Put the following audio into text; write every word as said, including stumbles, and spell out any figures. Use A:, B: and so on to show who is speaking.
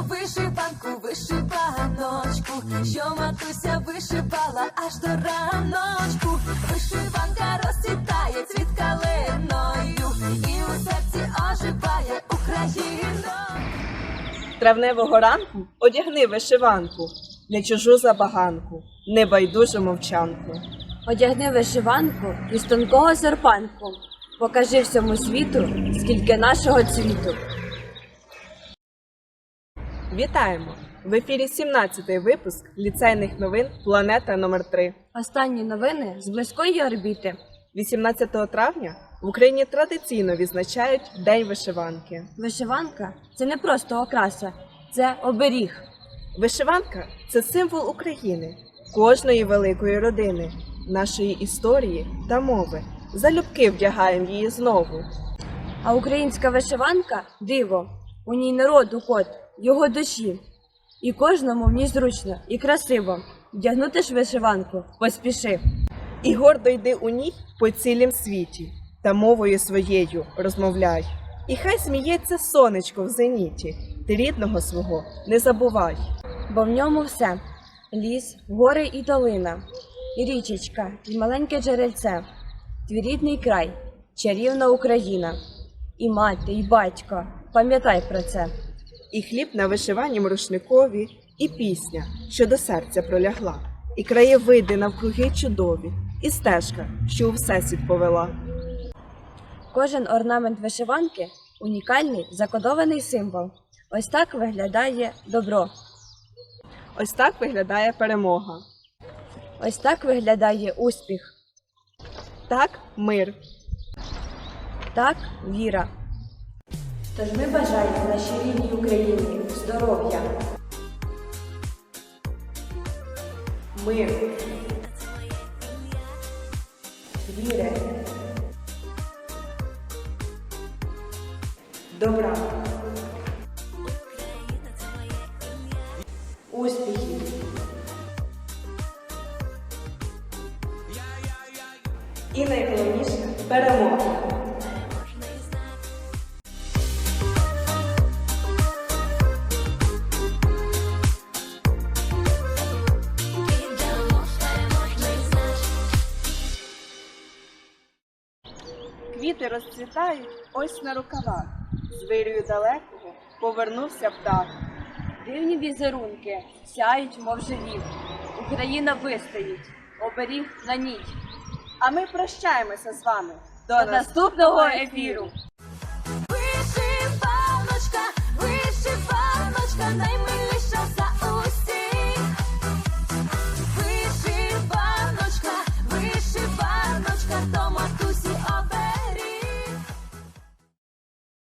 A: вишиванку, вишиваночку, що матуся вишивала аж до раночку. Вишиванка розцвітає цвіт калиною, і у серці оживає Україна.
B: Травневого ранку одягни вишиванку, не чужу забаганку, не байдужу мовчанку.
C: Одягни вишиванку із тонкого серпанку, покажи всьому світу, скільки нашого цвіту.
B: Вітаємо! В ефірі сімнадцятий випуск ліцейних новин «Планета номер три».
C: Останні новини з близької орбіти.
B: вісімнадцятого травня в Україні традиційно відзначають День вишиванки.
C: Вишиванка – це не просто окраса, це оберіг.
B: Вишиванка – це символ України, кожної великої родини, нашої історії та мови. Залюбки вдягаємо її знову.
C: А українська вишиванка – диво. У ній народу код, його душі. І кожному в ній зручно і красиво. Вдягнути ж вишиванку поспіши.
B: І гордо йди у ній по цілім світі, та мовою своєю розмовляй. І хай сміється сонечко в зеніті, ти рідного свого не забувай.
C: Бо в ньому все – ліс, гори і долина, і річечка, і маленьке джерельце, твій рідний край, чарівна Україна. І мати, і батько, пам'ятай про це.
B: І хліб на вишиванім рушникові, і пісня, що до серця пролягла, і краєвиди навкруги чудові, і стежка, що у всесвіт повела.
C: Кожен орнамент вишиванки – унікальний закодований символ. Ось так виглядає добро.
B: Ось так виглядає перемога.
C: Ось так виглядає успіх.
B: Так мир.
C: Так віра. Тож ми бажаємо нашій рідній Україні здоров'я,
B: Мир.
C: віри,
B: Добра.
C: успіхів.
B: І найголовніше – перемога. Квіти розцвітають ось на рукавах, з вирію далекого повернувся птах.
C: Дивні візерунки сяють, мов живі. Україна вистоїть, оберіг на ніть.
B: А ми прощаємося з вами.
C: До наступного ефіру!